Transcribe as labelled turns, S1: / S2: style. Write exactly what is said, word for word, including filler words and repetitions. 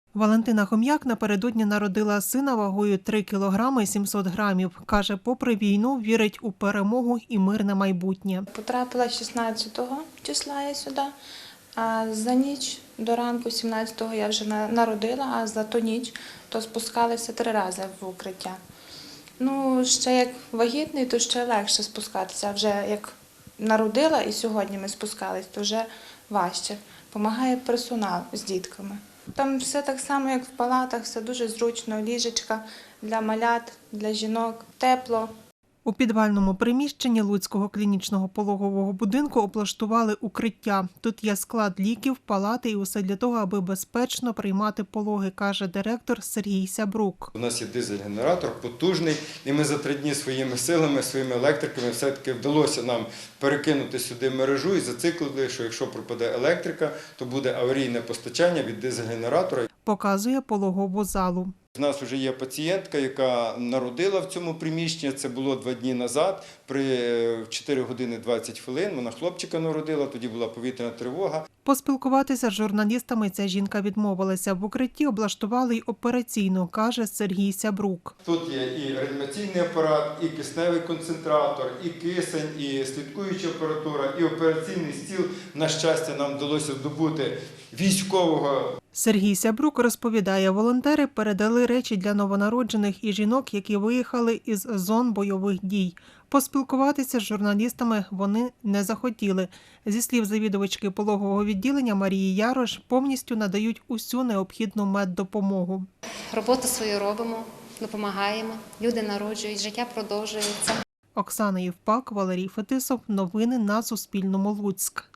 S1: Валентина Хом'як напередодні народила сина вагою три кілограми сімсот грамів. Каже, попри війну, вірить у перемогу і мирне майбутнє.
S2: Потрапила шістнадцятого числа я сюди, а за ніч до ранку сімнадцятого я вже народила, а за ту ніч то спускалися три рази в укриття. Ну, ще як вагітний, то ще легше спускатися, а вже як народила і сьогодні ми спускались, то вже важче. Помагає персонал з дітками. Там все так само, як в палатах, все дуже зручно, ліжечка для малят, для жінок, тепло.
S1: У підвальному приміщенні Луцького клінічного пологового будинку облаштували укриття. Тут є склад ліків, палати і усе для того, аби безпечно приймати пологи, каже директор Сергій Сябрук.
S3: У нас є дизель-генератор потужний, і ми за три дні своїми силами, своїми електриками все-таки вдалося нам перекинути сюди мережу і зациклили, що якщо пропаде електрика, то буде аварійне постачання від дизель-генератора.
S1: Показує пологову залу.
S3: У нас вже є пацієнтка, яка народила в цьому приміщенні, це було два дні назад, при чотири години двадцять хвилин, вона хлопчика народила, тоді була повітряна тривога.
S1: Поспілкуватися з журналістами ця жінка відмовилася. В укритті облаштували й операційну, каже Сергій Сябрук.
S3: Тут є і реанімаційний апарат, і кисневий концентратор, і кисень, і слідкуюча апаратура, і операційний стіл. На щастя, нам вдалося здобути військового.
S1: Сергій Сябрук розповідає, волонтери передали речі для новонароджених і жінок, які виїхали із зон бойових дій. Поспілкуватися з журналістами вони не захотіли. Зі слів завідувачки пологового відділення Марії Ярош, повністю надають усю необхідну меддопомогу.
S4: Роботу свою робимо, допомагаємо, люди народжують, життя продовжується.
S1: Оксана Євпак, Валерій Фетисов. Новини на Суспільному. Луцьк.